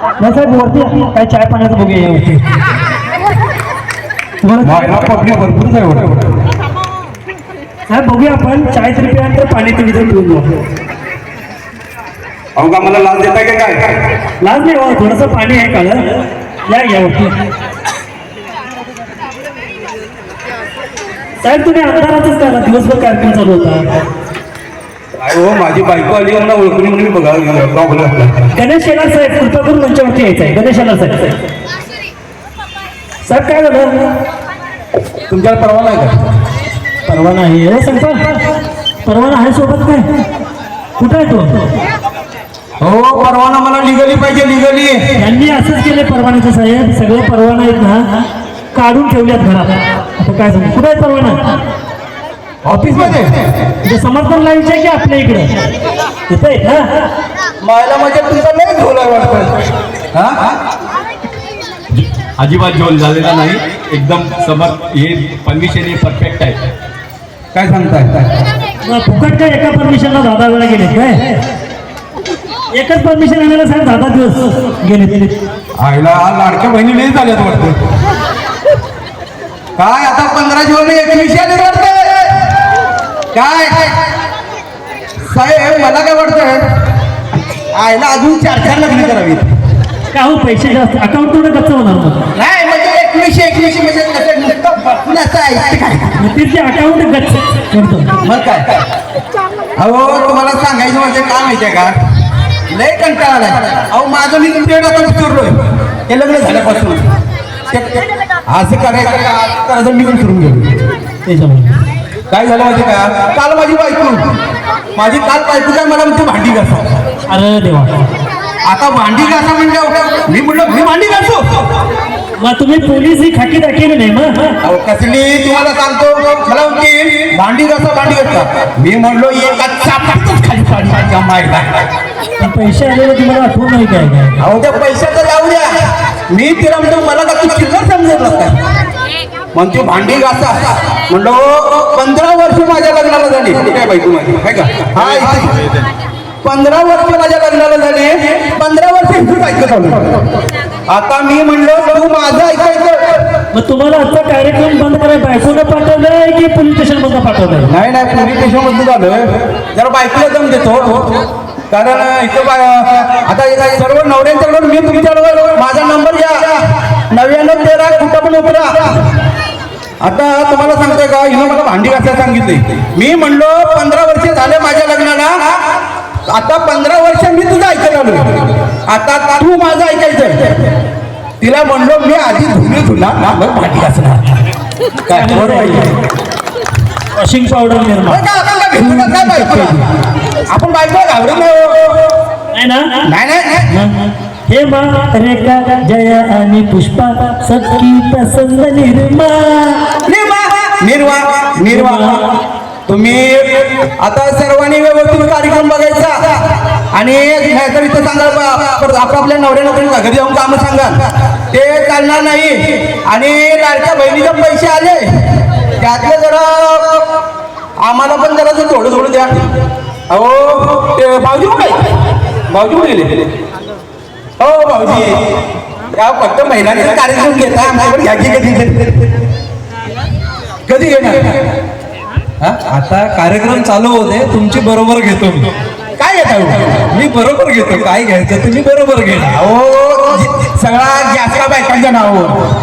नाही साहेब वरती काय चाय पाण्याचं बघूया वरती तुम्हाला पब्लिक भरपूर आहे साहेब बघूया आपण चाय तरी प्यानंतर पाणी तरी पिऊन जाऊ. अहो का मला लाच देताय का काय? लाज नाही हो थोडंसं पाणी आहे काळ या वरती. साहेब तुम्ही अंधारातच करा दिवसभर कार्यक्रम चालू होता. हो माझी बायको आली मला ओळखणी म्हणून बघा प्रॉब्लेम. गणेश शेलार साहेब कृपा करून मंचावरती यायचं आहे. गणेश शेलार साहेब साहेब काय झालं तुमच्याला परवाना आहे का? परवाना आहे हो सांगता परवाना आहे सोबत काय कुठं आहे तो? हो परवाना मला लिगली पाहिजे लिगली. यांनी असंच केले परवान्याचे साहेब सगळे परवाना आहेत ना काढून ठेवल्यात घरात. आता काय सांगू कुठे आहे परवाना? ऑफिस मध्ये समर्थन लावायचे की आपल्या इकडे तिथे आहेत ना. मायला म्हणजे तुमचा नाही झोला वाटतं. अजिबात झोल झालेला नाही एकदम समर हे परमिशन हे परफेक्ट आहे. काय सांगताय? फुकट काय एका परमिशनला 10 वेळा गेले काय? एकच परमिशन आणायला साहेब 10 दिवस गेले. आईला लाडक्या बहिणी नाही झाल्यात वाटतं. काय आता 15 जून 21 आले वाटतं काय साहेब? मला काय वाटतं आईला अजून 4 लग्न करावी. का हो पैसे जास्त अकाउंट थोडं गच्च होणार मग. नाही म्हणजे 21 म्हणजे नुसतं तिथे अकाउंट गच्च करतो. मग काय? अहो तुम्हाला सांगायचं म्हणजे काय माहितीये का लय कंटाळा आलाय. अहो माझं मी तुमच्याकडे आता विचारलोय हे लग्न झाल्यापासून असं करायचं का करायचं मी पण सुरून गेलो. त्याच्यामुळे काय झालं माहिती का काल माझी बायको काय मला म्हणते भांडी घासा. अरे देवा आता भांडी घासा म्हणजे मी म्हटलं मी भांडी घासू. मग तुम्ही पोलीस ही खाकी दाखवली नाही मग. अहो कसली तुम्हाला सांगतो मला म्हणते भांडी घासा. मी म्हणलो एका चापातच खाली पाणी माहिती. पैसे आलेले तुम्हाला आठवण नाही काय काय? अहो त्या पैशाचं जाऊ द्या. मी तिला म्हणतो मला का तू चिल्लर समजत काय म्हणते भांडी घासा. म्हणलो 15 वर्ष माझ्या लग्नाला झाली काय बायको माझी काय का? हा 15 वर्ष माझ्या लग्नाला झाली. 15 वर्ष इथून ऐकत. आता मी म्हणलो तू माझं ऐकायचं. मग तुम्हाला आजचा कार्यक्रम बंद कराय बायकोनं पाठवलंय की पोलीस स्टेशन मधून पाठवलंय? नाही पोलीस स्टेशन मधून झालं. जरा बायकोला दम देतो कारण इथं आता सर्व नवऱ्यांच्याकडून मी तुमच्याबरोबर माझा नंबर घ्या 9913 कुठं पण उतरा. आता तुम्हाला सांगतोय का हिनं मला भांडी घासायला सांगितले. मी म्हणलो 15 वर्ष झाले माझ्या लग्नाला. आता 15 वर्ष मी तुझं ऐकायला आलो. आता तू माझं ऐकायचं. तिला म्हणलो मी आधी धुना मग भांडी घासणार. काय वॉशिंग पावडर निर्माण आपण बायको घाबरत नाही ना. नाही हे मा रेखा जया आणि पुष्पा सखी पसंद निर्वा तुम्ही आता सर्वांनी व्यवस्थित कार्यक्रम बघायचा आणि नाहीतर इथं सांगा आपापल्या नवऱ्याला घरी जाऊन कामं सांगा ते चालणार नाही. आणि लाडक्या बहिणीचे पैसे आले त्यातलं जरा आम्हाला पण जरा थोडं द्या. अहो ते भाऊजी कुठे गेले? हो भाऊजी या फक्त महिलांचा कार्यक्रम घेता आम्हाला घ्या कधी घेणार? आता कार्यक्रम चालू होते तुमची बरोबर घेतो मी. काय घेता? मी बरोबर घेतो काय घ्यायचं तुम्ही बरोबर घेणार. अहो सगळा गॅसला बायकांच्या नावावर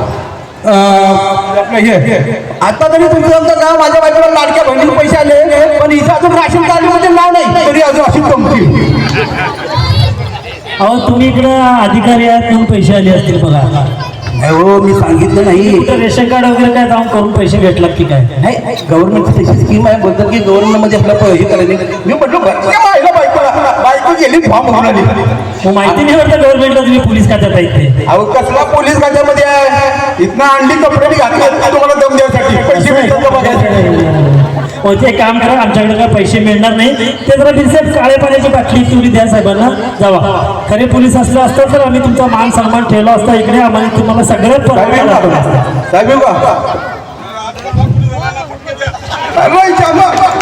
आता तरी तुमचं नाव माझ्या बायकोला लाडक्या बहिणीचे पैसे आले पण इथं अजून राशन कार्डमध्ये नाव नाही तरी अजून अशी कंपनी. अहो तुम्ही इकडं अधिकारी आहात म्हणून पैसे आले असतील बघा. नाही हो मी सांगितलं नाही. रेशन कार्ड वगैरे काय जाऊन करून पैसे भेटलात की काय? नाही गव्हर्नमेंटची तशी स्कीम आहे बोलतात की गव्हर्नमेंट मध्ये आपलं हे करायचं. मी म्हटलं बायको गेली फॉर्म भरून आली. माहिती नाही वाटतं गव्हर्नमेंटला तुम्ही पोलीस खात्यात आहेत ते. अहो कसला पोलीस खात्यामध्ये आहे इथनं आणली कपडे घातले तुम्हाला दम द्यासाठी पैसे भेटतात का बघायचे. हो ते काम करा आमच्याकडे काय पैसे मिळणार नाही. ते जरा बिनसेफ काळे पाण्याची बाटली तुरी द्या साहेबांना जावा. खरे पोलीस असलं असतं तर आम्ही तुमचा मान सन्मान ठेवला असता इकडे. आम्हाला तुम्हाला सगळं साहेब